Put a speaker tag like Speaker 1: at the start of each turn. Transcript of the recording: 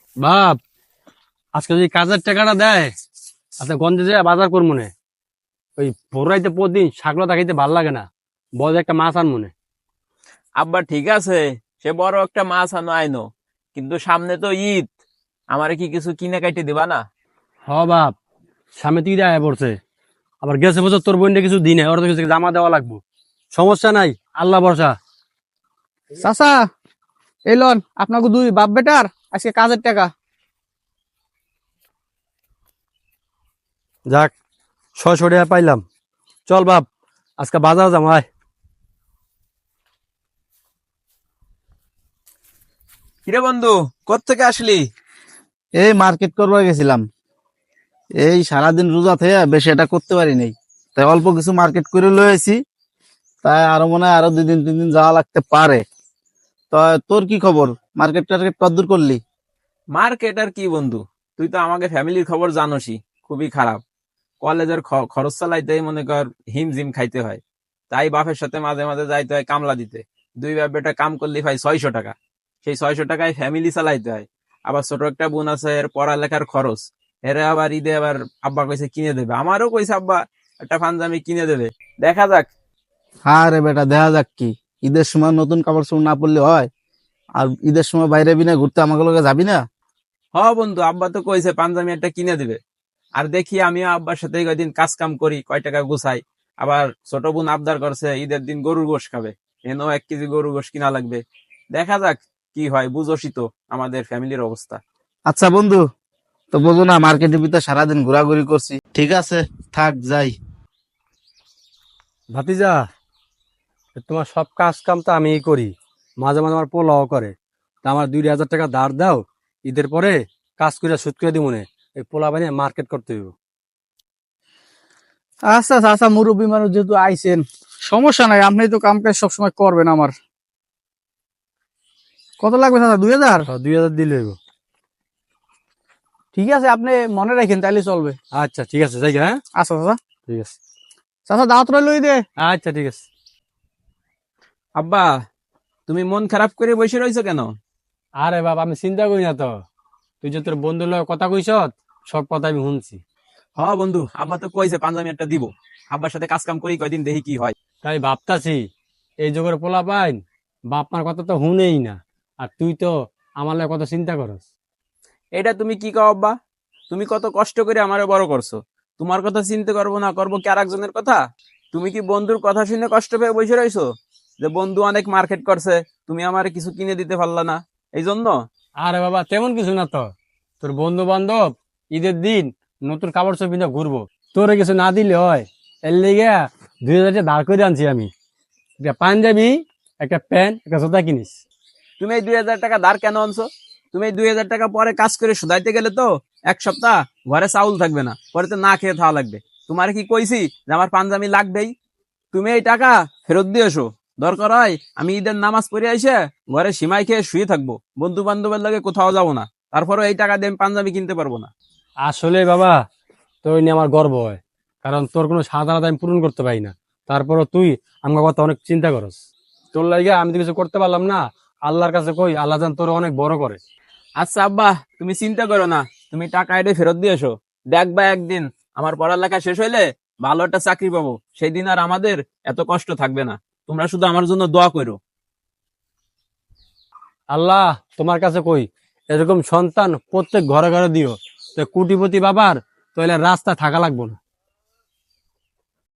Speaker 1: বাপ, আজকে যদি কাজের টাকাটা দেয়, আচ্ছা গঞ্জে যায় বাজার করবো মনে। ওই ভোরাইতে প্রতিদিন শাকলা খাইতে ভাল লাগে না। বড় একটা মাছ আন মনে।
Speaker 2: আব্বা ঠিক আছে, সে বড় একটা মাছ আনো আইনো, কিন্তু সামনে তো ঈদ। আমারে কি কিছু কিনে কাইটে দিবা না?
Speaker 1: হ বাপ, সামনে তুই দেয় পড়ছে। আবার গেছে বছর তোর বোনটা কিছু দিনে ওরা তো কিছু জামা দেওয়া লাগবো। সমস্যা নাই, আল্লাহ ভরসা।
Speaker 3: চাচা, এই লন আপনাকে দুই বাপ বেটার আজকে কাজের টাকা।
Speaker 1: যাক, 600 টাকা পাইলাম। চল বাপ, আজকে বাজার যাম আয়।
Speaker 2: কিরে বন্ধু, কোত্থেকে আসলি?
Speaker 4: এই মার্কেট করবার গেছিলাম। এই সারাদিন রোজা থেকে বেশি এটা করতে পারি নাই, তাই অল্প কিছু মার্কেট করে লয়ে আইছি। তাই আরো মনে হয় আরো 2 দিন 3 দিন যাওয়া লাগতে পারে। তো তোর কি খবর? মার্কেট টার্কেট কতদূর করলি?
Speaker 2: মার্কেট আর কি বন্ধু, তুই তো আমাকে ফ্যামিলির খবর জানোসই, খুবই খারাপ। কলেজের খরচ চালাইতেই মনে কর হিমজিম খাইতে হয়। তাই বাপের সাথে মাঝে মাঝে যাইতে হয় কামলা দিতে। দুই বাপ বেটা কাম করলে ভাই 600 টাকা। সেই 600 টাকায় ফ্যামিলি চালাইতে হয়। আবার ছোট একটা বোন আছে, এর পড়ালেখার খরচ। এরা আবার ঈদে আবার আব্বা কইছে কিনে দেবে, আমারও কইছে আব্বা একটা পাঞ্জাবি কিনে দেবে। দেখা যাক।
Speaker 4: হ্যাঁ রে বেটা, দেখা যাক কি। ঈদের সময় নতুন কাপড় চোপড় না পরলে হয়? আর ঈদের সময় বাইরে বিনা ঘুরতে আমাকে লগে যাবি না?
Speaker 2: হ বন্ধু, আব্বা তো কইছে পাঞ্জাবি একটা কিনে দিবে। আর দেখি আমিও আব্বার সাথে কয়দিন কাজ কাম করি, কয় টাকা গুছাই। আবার ছোট বোন আবদার করছে ঈদের দিন গরুর গোশ খাবে, এনেও 1 কেজি গরুর গোশ কিনা লাগবে। দেখা যাক কি হয়, বুঝোসই তো আমাদের ফ্যামিলির অবস্থা।
Speaker 4: আচ্ছা বন্ধু, তো বোঝো না মার্কেটের ভিতরে সারাদিন ঘোরাঘুরি করছি। ঠিক আছে, থাক যাই।
Speaker 1: ভাতিজা, তোমার সব কাজ কাম তো আমিই করি। মাঝে মাঝে আমার পোলাও করে। তা আমার 2,000 টাকা ধার দাও, ঈদের পরে কাজ করে সুদ করে দিব মনে। এই পোলা বানিয়ে মার্কেট করতে হইব।
Speaker 3: আচ্ছা চাচা, মুরব্বী মানুষ যেহেতু আইছেন, সমস্যা নাই, আপনি তো কাম কাজ সবসময় করবেন আমার। কত লাগবে চাচা? 2000?
Speaker 1: 2,000 দিলে হইব।
Speaker 3: ঠিক আছে, আপনি মনে রাখেন, তাইলে চলবে।
Speaker 1: আচ্ছা ঠিক আছে, যাই গে, হ্যাঁ।
Speaker 3: আচ্ছা চাচা।
Speaker 1: ঠিক আছে।
Speaker 3: চাচা দাওয়াত লই দে।
Speaker 1: আচ্ছা ঠিক আছে।
Speaker 2: আব্বা, তুমি মন খারাপ করে বসে রয়েছো কেন?
Speaker 1: আরে বাবা, আমি চিন্তা করি না তো। তুই যে তোর বন্ধুর লগে কথা কইস, সব কথা আমি শুনছি।
Speaker 2: হ বন্ধু, আব্বা তো কইছে পাঞ্জাবি একটা দিব। আব্বার সাথে কাজ কাম করি, কয়দিন দেখি কি হয়।
Speaker 1: তাই ভাবতাছি, এই যুগের পোলা পাইন বাপ মার কথা তো শুনেই না। আর তুই তো আমার লগে কত চিন্তা করস।
Speaker 2: এটা তুমি কি কও আব্বা? তুমি কত কষ্ট করে আমারে বড় করছো। তোমার কথা চিন্তা করবো না, করবো কি আর একজনের কথা? তুমি কি বন্ধুর কথা শুনে কষ্ট পেয়ে বসে রইছো? যে বন্ধু অনেক মার্কেট করছে, তুমি আমারে কিছু কিনে দিতে পারলা না, এই জন্য?
Speaker 1: আরে বাবা, তেমন কিছু না তো। তোর বন্ধু বান্ধব ঈদের দিন নতুন কাপড় চোপড় পিন্ধে ঘুরবো, তোরে কিছু না দিলে হয়। এর লেগে 2,000 টাকা ধার করে আনছি আমি। একটা পাঞ্জাবি, একটা প্যান্ট, একটা জুতা কিনিস।
Speaker 2: তুমি এই 2,000 টাকা ধার কেন আনছো? তুমি এই 2,000 টাকা পরে কাজ করে শুধাইতে গেলে তো 1 সপ্তাহ ঘরে চাউল থাকবে না, পরে তো না খেয়ে থাকা লাগবে। তোমার কি কইছি যে আমার পাঞ্জাবি লাগবেই? তুমি এই টাকা ফেরত দিয়ে এসো। দরকার হয় আমি ঈদের নামাজ পড়ে আইসে ঘরে সিমাই খেয়ে শুয়ে থাকবো, বন্ধু বান্ধবের লগে কোথাও যাবো না। তারপরে এই টাকা দিয়ে আমি পাঞ্জাবি কিনতে পারবো না।
Speaker 1: আসলে বাবা, তোর নিয়ে আমার গর্ব হয়। কারণ তোর কোনো সাধারণত আমি পূরণ করতে পারি না। তারপরও তুই আমার কথা অনেক চিন্তা করস। তোর লাগে আমি তো কিছু করতে পারলাম না। আল্লাহর কাছে কই, আল্লাহ যেন তোর অনেক বড় করে।
Speaker 2: আচ্ছা আব্বা, তুমি চিন্তা করো না, তুমি টাকা এনে ফেরত দিয়ে এসো। দেখবা একদিন আমার পড়ালেখা শেষ হইলে ভালো একটা চাকরি পাবো, সেই দিন আর আমাদের এত কষ্ট থাকবে না। তোমরা শুধু আমার জন্য দোয়া করো।
Speaker 1: আল্লাহ তোমার কাছে কই, এরকম সন্তান প্রত্যেক ঘরে ঘরে দিও। তো কোটিপতি বাবার তাহলে রাস্তা থাকা লাগবো না।